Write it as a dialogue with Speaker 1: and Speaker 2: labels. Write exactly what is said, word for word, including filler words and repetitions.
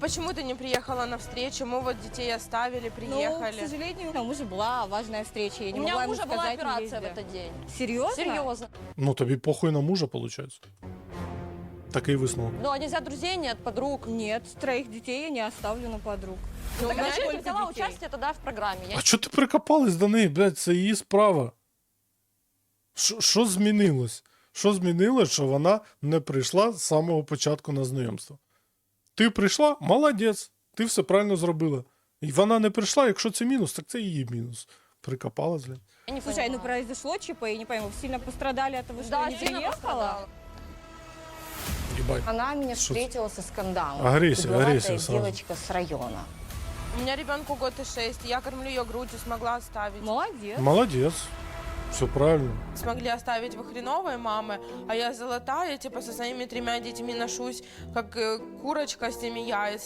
Speaker 1: почему ты не приехала на встречу? Мы вот детей оставили, приехали.
Speaker 2: Ну, к сожалению, у мужа была важная встреча. Я не
Speaker 3: У меня
Speaker 2: могла
Speaker 3: у
Speaker 2: ему
Speaker 3: мужа была
Speaker 2: сказать, не
Speaker 3: операция в
Speaker 2: езди.
Speaker 3: этот день.
Speaker 2: Серьезно?
Speaker 3: Серьезно.
Speaker 4: Ну, тобі похуй на мужа, виходить. Такий висновок.
Speaker 3: Ну, а нельзя друзей, нет, подруг.
Speaker 2: Нет, троих детей я не оставлю на подруг.
Speaker 1: Ну, у
Speaker 3: Так
Speaker 1: меня
Speaker 3: зачем ты
Speaker 2: сколько
Speaker 3: взяла
Speaker 2: детей?
Speaker 3: участие тогда в программе? Я
Speaker 4: А чого ти прикопалась до неї, блядь, це її справа. Що що змінилось? Що змінилось, що вона не прийшла з самого початку на знайомство? Ти прийшла, молодець, ти все правильно зробила. І вона не прийшла, якщо це мінус, так це її мінус. Прикопалась, блядь.
Speaker 3: Я не
Speaker 2: Слушай, ну
Speaker 3: понимаю.
Speaker 2: произошло ЧП, я не пойму, вы сильно пострадали от того, что
Speaker 3: Да,
Speaker 2: я не
Speaker 3: сильно
Speaker 2: приехала?
Speaker 3: пострадала.
Speaker 4: Єбать.
Speaker 5: Она меня
Speaker 4: Что-
Speaker 5: встретила со скандалом.
Speaker 4: Агрессия,
Speaker 5: Угловатая
Speaker 4: агрессия сразу.
Speaker 5: девочка с района.
Speaker 1: У меня ребенку год и шесть, я кормлю ее грудью, смогла оставить.
Speaker 2: Молодец.
Speaker 4: Молодець. Все правильно.
Speaker 1: Смогли оставить вы хреновой мамы, а я золотая, типа со своими тремя детьми ношусь, как э, курочка с теми яиц.